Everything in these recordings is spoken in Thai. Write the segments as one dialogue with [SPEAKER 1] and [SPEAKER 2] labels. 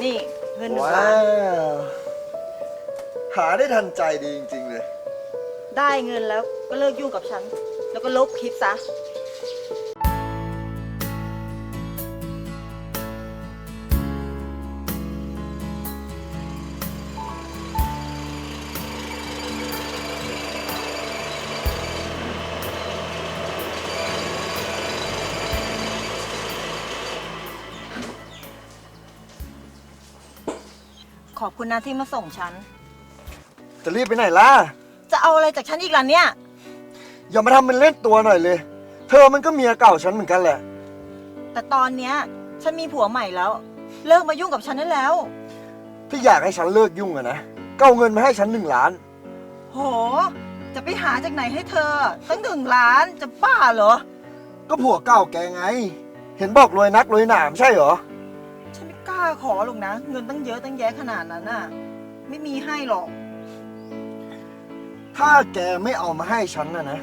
[SPEAKER 1] นี่เงิน1 ล้า
[SPEAKER 2] ว้าน วหาได้ทันใจดีจริงๆเลย
[SPEAKER 1] ได้เงินแล้วก็เลิกยุ่งกับฉัน แล้วก็ลบคลิปซะขอบคุณนะที่มาส่งฉัน
[SPEAKER 2] จะรีบไปไหนล่ะ
[SPEAKER 1] จะเอาอะไรจากฉันอีกล่ะเนี่ย
[SPEAKER 2] อย่ามาทำเป็นเล่นตัวหน่อยเลยเธอมันก็เมียเก่าฉันเหมือนกันแหละ
[SPEAKER 1] แต่ตอนเนี้ยฉันมีผัวใหม่แล้ว เลิกมายุ่งกับฉันได้แล้ว
[SPEAKER 2] ถ้าอยากให้ฉันเลิกยุ่งอะนะก็เอาเงินมาให้ฉัน1 ล้าน
[SPEAKER 1] โห จะไปหาจากไหนให้เธอตั้ง1 ล้านจะบ้าเหรอ
[SPEAKER 2] ก็ผัวเก่าแกไง เห็นบอกรวยนักรวยหนามใช่เหรอ
[SPEAKER 1] ฉันไม่กล้าขอหรอกนะ เงินตั้งเยอะตั้งแยะขนาดนั้นน่ะ ไม่มีให้หรอก
[SPEAKER 2] ถ้าแกไม่เอามาให้ฉันนะ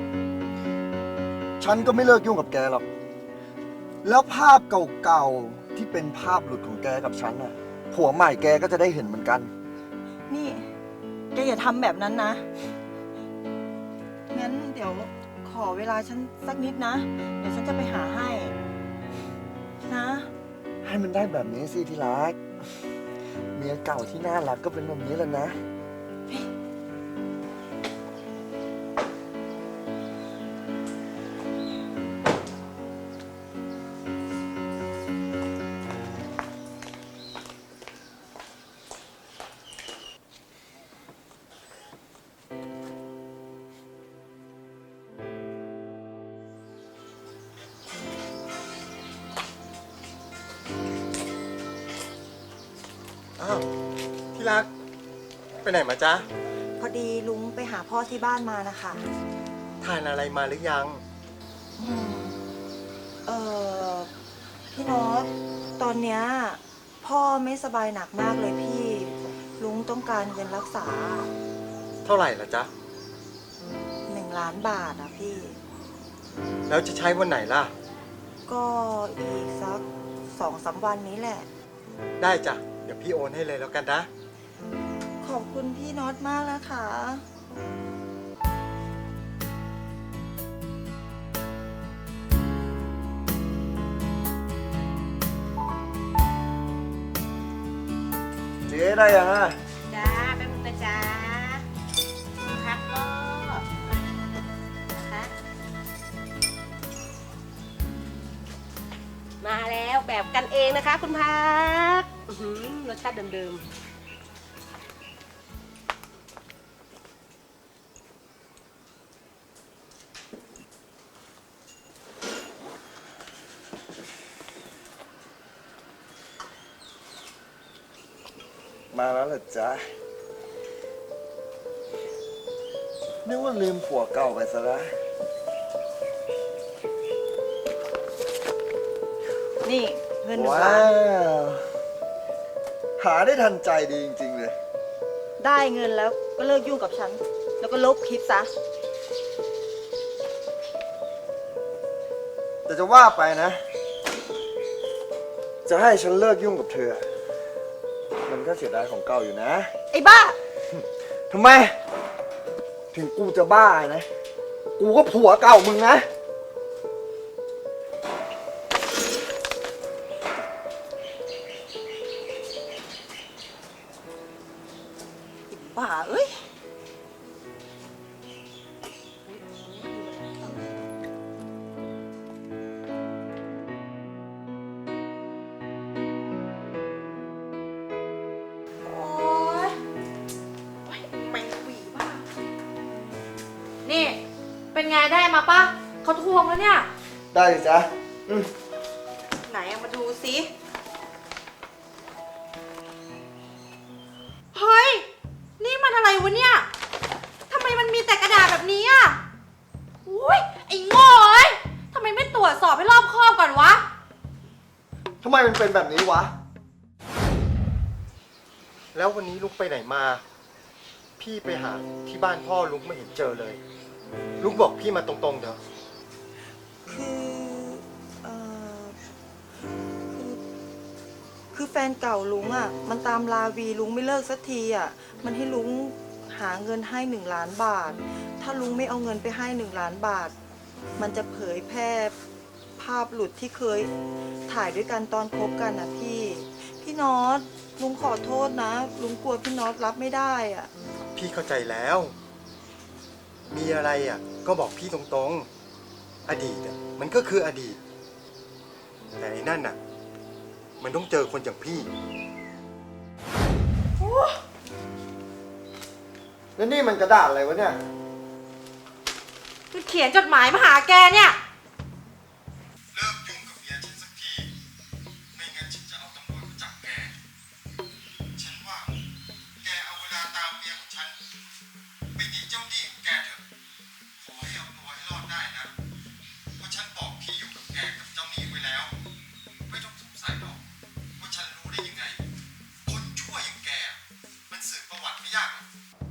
[SPEAKER 2] ฉันก็ไม่เลิกยุ่งกับแกหรอกแล้วภาพเก่าๆที่เป็นภาพหลุดของแกกับฉันน่ะผัวใหม่แกก็จะได้เห็นเหมือนกัน
[SPEAKER 1] นี่แกอย่าทำแบบนั้นนะ งั้นเดี๋ยวขอเวลาฉันสักนิดนะ เดี๋ยวฉันจะไปหาให้ นะ
[SPEAKER 2] ให้มันได้แบบนี้สิที่รักเมียเก่าที่น่ารักก็เป็นแบบนี้แหละนะ
[SPEAKER 3] อ้าวที่รักไปไหนมาจ๊ะ
[SPEAKER 1] พอดีลุงไปหาพ่อที่บ้านมานะคะ
[SPEAKER 3] ทานอะไรมาหรือยัง
[SPEAKER 1] อืมเออพี่โน้ตตอนเนี้ยพ่อไม่สบายหนักมากเลยพี่ ลุงต้องการเงินรักษา
[SPEAKER 3] เท่าไหร่ล่ะจ๊ะ
[SPEAKER 1] 1 ล้านบาทอะพี่
[SPEAKER 3] แล้วจะใช้วันไหนล่ะ
[SPEAKER 1] ก็อีกสัก2-3 วันนี้แหละ
[SPEAKER 3] ได้จ้ะเดี๋ยวพี่โอนให้เลยแล้วกันนะ
[SPEAKER 1] ขอบคุณพี่น็อตมากนะคะ
[SPEAKER 2] เจ๊ได้ยังอ่ะ
[SPEAKER 4] จ้าแป๊บนึงนะจ้าคุณพักก็นะคะมาแล้วแบบกันเองนะคะคุณพักรสชาติเดิม
[SPEAKER 2] มาแล้วเหรอจ๊ะนึกว่าลืมผัวเก่าไปซะแล้ว
[SPEAKER 1] นี่เงิน1
[SPEAKER 2] ว้า
[SPEAKER 1] ล้าน
[SPEAKER 2] วหาได้ทันใจดีจริงๆเลย
[SPEAKER 1] ได้เงินแล้วก็เลิกยุ่งกับฉัน แล้วก็ลบคลิปซะ
[SPEAKER 2] แต่จะว่าไปนะ จะให้ฉันเลิกยุ่งกับเธอ มันก็เสียดายของเก่าอยู่นะ
[SPEAKER 1] ไอ้บ้า
[SPEAKER 2] ทำไม ถึงกูจะบ้านะ กูก็ผัวเก่ามึงนะ
[SPEAKER 1] บ้าเอ้ย
[SPEAKER 4] โอ๊ยแมงหวีบ้านี่ เป็นไงได้มาปะเขาทวงแล้วเนี่ย
[SPEAKER 2] ได้สิจ๊ะ
[SPEAKER 1] ไหนเอามาดูสิ
[SPEAKER 4] เฮ้ย นี่มันอะไรวะเนี่ย ทำไมมันมีแต่กระดาษแบบนี้อ่ะอุ้ยไอ้โง่เอ้ยทำไมไม่ตรวจสอบให้รอบคอบก่อนวะ
[SPEAKER 2] ทำไมมันเป็นแบบนี้วะ
[SPEAKER 3] แล้ววันนี้ลุงไปไหนมา พี่ไปหาที่บ้านพ่อลุงไม่เห็นเจอเลย ลุงบอกพี่มาตรงๆเถอะ
[SPEAKER 1] คือ คือคือแฟนเก่าลุงอ่ะ มันตามลาวีลุงไม่เลิกสักทีอ่ะ มันให้ลุงหาเงินให้1 ล้านบาท ถ้าลุงไม่เอาเงินไปให้1 ล้านบาท มันจะเผยแพร่ภาพหลุดที่เคยถ่ายด้วยกันตอนคบกันนะพี่ พี่น็อตลุงขอโทษนะ ลุงกลัวพี่น็อตรับไม่ได้อ่ะ
[SPEAKER 3] พี่เข้าใจแล้ว มีอะไรอ่ะ ก็บอกพี่ตรงๆ อดีตอ่ะมันก็คืออดีต แต่ไอ้นั่นน่ะ มันต้องเจอคนอย่างพี่
[SPEAKER 2] แล้วนี่มันกระดาษอะไรวะเนี่ย
[SPEAKER 4] คือเขียนจดหมายมาหาแกเนี่ย
[SPEAKER 3] เลิกยุ่งกับเมียฉันสักที ไม่งั้นฉันจะเอาตำรวจมาจับแก ฉันว่าแกเอาเวลาตามเมียของฉันไปหนีเจ้าหนี้ของแกเถอะ ขอให้เอาตัวให้รอดได้นะ เพราะฉันบอกที่อยู่กับแกกับเจ้าหนี้ไว้แล้ว ไม่ต้องสงสัยหรอกว่าฉันรู้ได้ยังไง คนชั่วอย่างแก มันสืบประวัติไม่ยากหรอก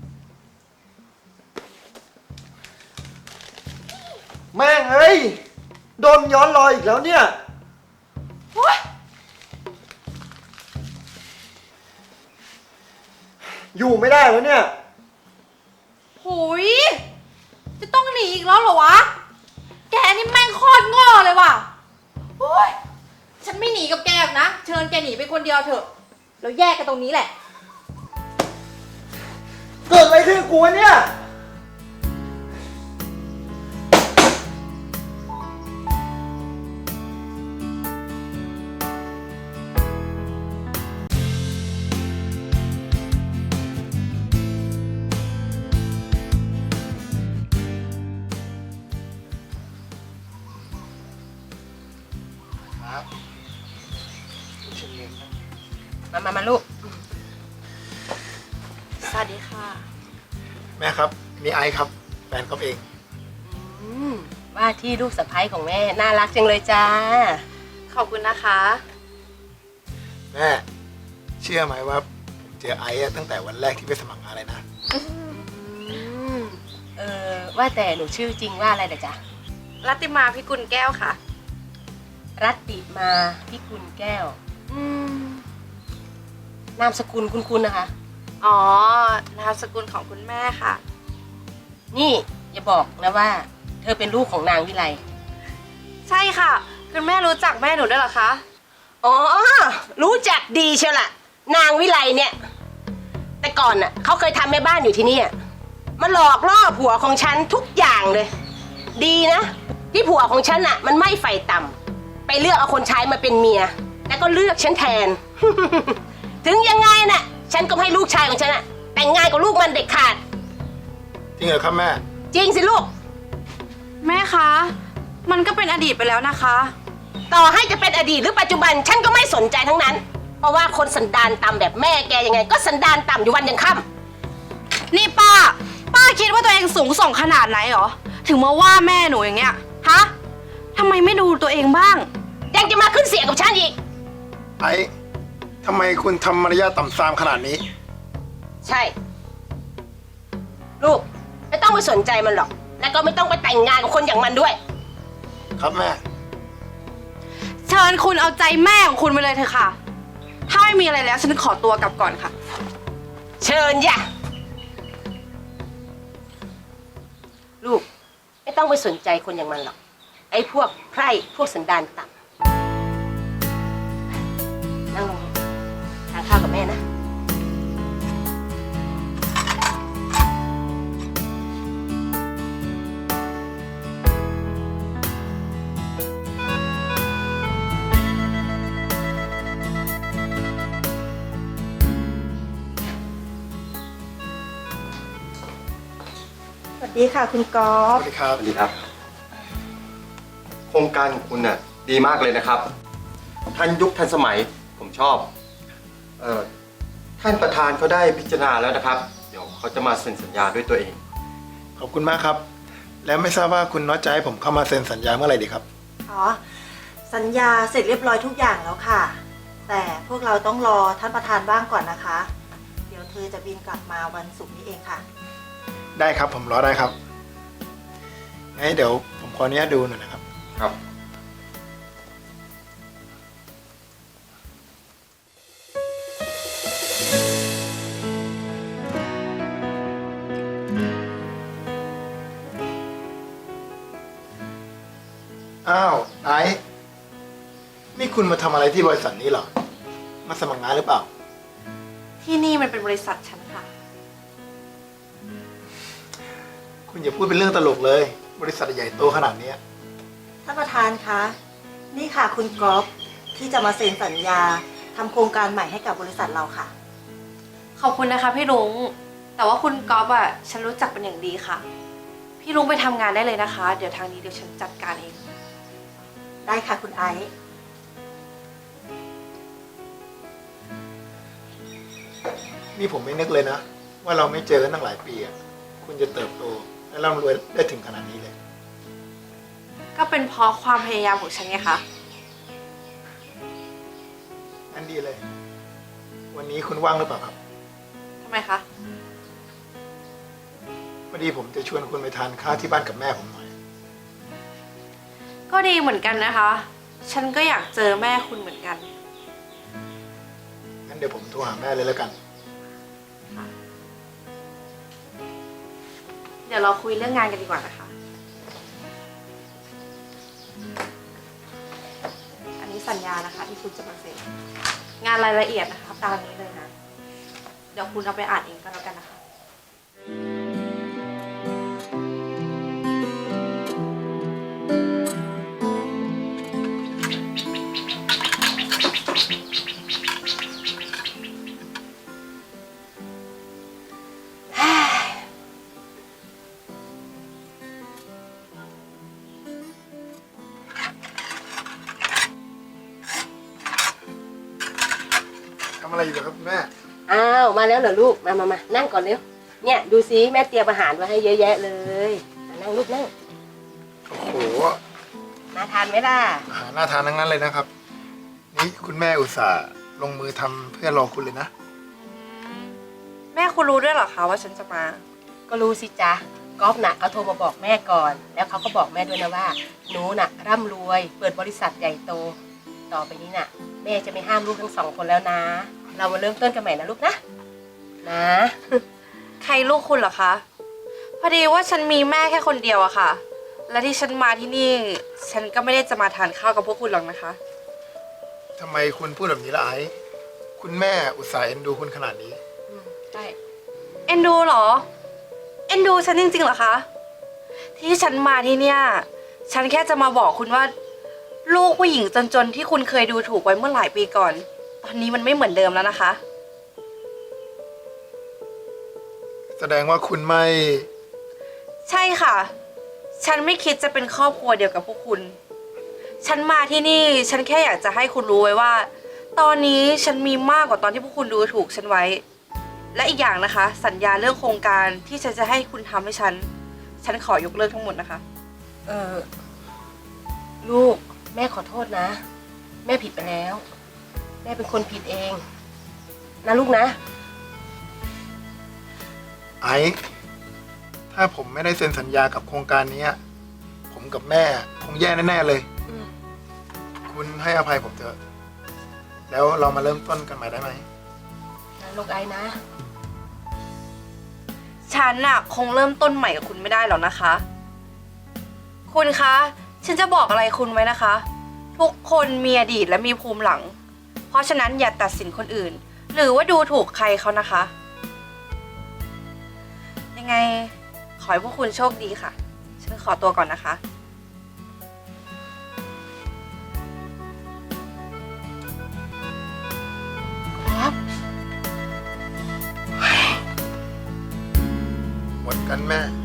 [SPEAKER 2] แม่งเอ้ย โดนย้อนรอยอีกแล้วเนี่ย
[SPEAKER 4] โอ๊ย
[SPEAKER 2] อยู่ไม่ได้แล้วเนี่ย
[SPEAKER 4] หุยจะต้องหนีอีกแล้วเหรอวะ แกนี่แม่งโคตรโง่เลยว่ะโอ๊ยฉันไม่หนีกับแกหรอกนะ เชิญแกหนีไปคนเดียวเถอะ แล้วแยกกันตรงนี้แหละ
[SPEAKER 2] เกิดอะไรขึ้นกับกูวะเนี่ย
[SPEAKER 5] มาลูก
[SPEAKER 4] สวัสดีค่ะ
[SPEAKER 6] แม่ครับนี่ไอซ์ครับแฟนก๊อฟเอง
[SPEAKER 5] ว่าที่ลูกสะใภ้ของแม่น่ารักจังเลยจ้า
[SPEAKER 4] ขอบคุณนะคะ
[SPEAKER 6] แม่เชื่อไหมว่าผมเจอไอซ์อะตั้งแต่วันแรกที่ไปสมัครงานเลยนะ
[SPEAKER 5] ว่าแต่หนูชื่อจริงว่าอะไรเด้อจ๊ะ
[SPEAKER 4] รัตติมาพิกุลแก้วค่ะ
[SPEAKER 5] รัตติมาพิกุลแก้ว นามสกุลคุณนะคะ
[SPEAKER 4] อ๋อ นามสกุลของคุณแม่ค่ะ
[SPEAKER 5] นี่อย่าบอกนะว่า เธอเป็นลูกของนางวิไล
[SPEAKER 4] ใช่ค่ะ คุณแม่รู้จักแม่หนูด้วยเหรอคะ
[SPEAKER 5] อ๋อ รู้จักดีเชียวล่ะ นางวิไลเนี่ย แต่ก่อนน่ะเขาเคยทำแม่บ้านอยู่ที่นี่มาหลอกล่อผัวของฉันทุกอย่างเลย ดีนะที่ผัวของฉันน่ะ มันไม่ไฟต่ำไปเลือกเอาคนใช้มาเป็นเมีย แล้วก็เลือกฉันแทน ถึงยังไงน่ะ ฉันก็ให้ลูกชายของฉันน่ะ แต่งงานกับลูกมันเด็ดขาด
[SPEAKER 6] จริงเหรอครับแม่
[SPEAKER 5] จริงสิลูก
[SPEAKER 4] แม่คะ มันก็เป็นอดีตไปแล้วนะคะ
[SPEAKER 5] ต่อให้จะเป็นอดีตหรือปัจจุบัน ฉันก็ไม่สนใจทั้งนั้น เพราะว่าคนสันดานต่ำแบบแม่แกยังไง ก็สันดานต่ำอยู่วันยังค่ำ
[SPEAKER 4] นี่ป้าคิดว่าตัวเองสูงส่งขนาดไหนหรอ ถึงมาว่าแม่หนูอย่างเงี้ย ฮะทำไมไม่ดูตัวเองบ้าง
[SPEAKER 5] ยังจะมาขึ้นเสียงกับฉันอีก
[SPEAKER 6] ไอซ์ทำไมคุณทำมารยาทต่ำซามขนาดนี้
[SPEAKER 5] ใช่ ลูกไม่ต้องไปสนใจมันหรอก แล้วก็ไม่ต้องไปแต่งงานกับคนอย่างมันด้วย
[SPEAKER 6] ครับแม่
[SPEAKER 4] เชิญคุณเอาใจแม่ของคุณไปเลยเถอะค่ะ ถ้าไม่มีอะไรแล้วฉันขอตัวกลับก่อนค่ะ
[SPEAKER 5] เชิญอย่าลูก ไม่ต้องไปสนใจคนอย่างมันหรอก ไอ้พวกไพร่พวกสันดานต่ำนั่งลงทานข้าวกับแม่นะ
[SPEAKER 1] สวัสดีค่ะคุณกอ
[SPEAKER 6] ส
[SPEAKER 1] ล์ฟ
[SPEAKER 6] วัสดีครับ
[SPEAKER 3] สวัสดีครับ โครงการของคุณน่ะดีมากเลยนะครับทันยุคทันสมัยผมชอบท่านประธานเขาได้พิจารณาแล้วนะครับ เดี๋ยวเขาจะมาเซ็นสัญญาด้วยตัวเอง
[SPEAKER 6] ขอบคุณมากครับ แล้วไม่ทราบว่าคุณน็อตจะให้ผมเข้ามาเซ็นสัญญาเมื่อไหร่ดีครับ
[SPEAKER 1] อ๋อ สัญญาเสร็จเรียบร้อยทุกอย่างแล้วค่ะ แต่พวกเราต้องรอท่านประธานบ้างก่อนนะคะ เดี๋ยวเธอจะบินกลับมาวันศุกร์นี้เองค่ะ
[SPEAKER 6] ได้ครับผมรอได้ครับงั้นเดี๋ยวผมขออนุญาตดูหน่อยนะครับ
[SPEAKER 3] ครับ
[SPEAKER 6] คุณมาทำอะไรที่บริษัทนี้เหรอ มาสมัครงานหรือเปล่า
[SPEAKER 4] ที่นี่มันเป็นบริษัทฉันค่ะ
[SPEAKER 6] คุณอย่าพูดเป็นเรื่องตลกเลย บริษัทใหญ่โตขนาดเนี้ย
[SPEAKER 1] ท่านประธานคะ นี่ค่ะคุณก๊อฟที่จะมาเซ็นสัญญาทำโครงการใหม่ให้กับบริษัทเราค่ะ
[SPEAKER 4] ขอบคุณนะคะพี่ลุง แต่ว่าคุณก๊อฟอะฉันรู้จักเป็นอย่างดีค่ะ พี่ลุงไปทำงานได้เลยนะคะ เดี๋ยวทางนี้เดี๋ยวฉันจัดการเอง
[SPEAKER 1] ได้ค่ะคุณไอซ์
[SPEAKER 6] นี่ผมไม่นึกเลยนะ ว่าเราไม่เจอกันตั้งหลายปีอะคุณจะเติบโตและร่ำรวยได้ถึงขนาดนี้เลย
[SPEAKER 4] ก็เป็นเพราะความพยายามของฉันไงคะ
[SPEAKER 6] นั่นดีเลย วันนี้คุณว่างหรือเปล่าครับ
[SPEAKER 4] ทำไมคะ
[SPEAKER 6] พอดีผมจะชวนคุณไปทานข้าวที่บ้านกับแม่ผมหน่อย
[SPEAKER 4] ก็ดีเหมือนกันนะคะ ฉันก็อยากเจอแม่คุณเหมือนกัน
[SPEAKER 6] งั้นเดี๋ยวผมโทรหาแม่เลยแล้วกัน
[SPEAKER 4] เดี๋ยวเราคุยเรื่องงานกันดีกว่านะคะ อันนี้สัญญานะคะที่คุณจะมาเซ็น งานรายละเอียดนะคะตามนี้เลยนะ เดี๋ยวคุณเอาไปอ่านเองก็แล้วกันนะคะ
[SPEAKER 6] ทำอะไรอยู่เหรอครับคุณแม่
[SPEAKER 5] อ้าวมาแล้วเหรอลูกมานั่งก่อนเร็วเนี่ยดูซิแม่เตรียมอาหารไว้ให้เยอะแยะเลยนั่งลูกนั่ง
[SPEAKER 6] โอ้โห
[SPEAKER 5] มาทานไหมล่ะ
[SPEAKER 6] อาหารน่าทานทั้งนั้นเลยนะครับ นี่คุณแม่อุตส่าห์ลงมือทำเพื่อรอคุณเลยนะ
[SPEAKER 4] แม่คุณรู้ด้วยเหรอคะว่าฉันจะมา
[SPEAKER 5] ก็รู้สิจ๊ะก๊อฟน่ะเขาโทรมาบอกแม่ก่อน แล้วเขาก็บอกแม่ด้วยนะว่าหนูน่ะร่ำรวยเปิดบริษัทใหญ่โต ต่อไปนี้น่ะ แม่จะไม่ห้ามลูกทั้งสองคนแล้วนะ เรามาเริ่มต้นกันใหม่นะลูกนะ นะ
[SPEAKER 4] ใครลูกคุณเหรอคะ พอดีว่าฉันมีแม่แค่คนเดียวอะค่ะ และที่ฉันมาที่นี่ ฉันก็ไม่ได้จะมาทานข้าวกับพวกคุณหรอกนะคะ
[SPEAKER 6] ทำไมคุณพูดแบบนี้ล่ะไอ้ คุณแม่อุตส่าห์เอ็นดูคุณขนาดนี้
[SPEAKER 5] ใช่
[SPEAKER 4] เอ็นดูเหรอ เอ็นดูฉันจริงๆเหรอคะ ที่ฉันมาที่เนี่ย ฉันแค่จะมาบอกคุณว่า ลูกผู้หญิงจนๆที่คุณเคยดูถูกไว้เมื่อหลายปีก่อน ตอนนี้มันไม่เหมือนเดิมแล้วนะคะ
[SPEAKER 6] แสดงว่าคุณไม่
[SPEAKER 4] ใช่ค่ะ ฉันไม่คิดจะเป็นครอบครัวเดียวกับพวกคุณ ฉันมาที่นี่ ฉันแค่อยากจะให้คุณรู้ไว้ว่า ตอนนี้ฉันมีมากกว่าตอนที่พวกคุณดูถูกฉันไว้ และอีกอย่างนะคะ สัญญาเรื่องโครงการที่ฉันจะให้คุณทำให้ฉันขอยกเลิกทั้งหมดนะคะ
[SPEAKER 5] ลูกแม่ขอโทษนะ แม่ผิดไปแล้ว แม่เป็นคนผิดเองนะลูกนะ
[SPEAKER 6] ไอ้ ถ้าผมไม่ได้เซ็นสัญญากับโครงการนี้ ผมกับแม่คงแย่แน่ๆเลย
[SPEAKER 5] อืม
[SPEAKER 6] คุณให้อภัยผมเถอะ แล้วเรามาเริ่มต้นกันใหม่ได้ไหม
[SPEAKER 5] นะลูกไอ้นะ
[SPEAKER 4] ฉันน่ะคงเริ่มต้นใหม่กับคุณไม่ได้หรอกนะคะ คุณคะ ฉันจะบอกอะไรคุณไว้นะคะ ทุกคนมีอดีตและมีภูมิหลัง เพราะฉะนั้นอย่าตัดสินคนอื่น หรือว่าดูถูกใครเขานะคะ ยังไงขอให้พวกคุณโชคดีค่ะ ฉันขอตัวก่อนนะคะ
[SPEAKER 6] หมดกันแม่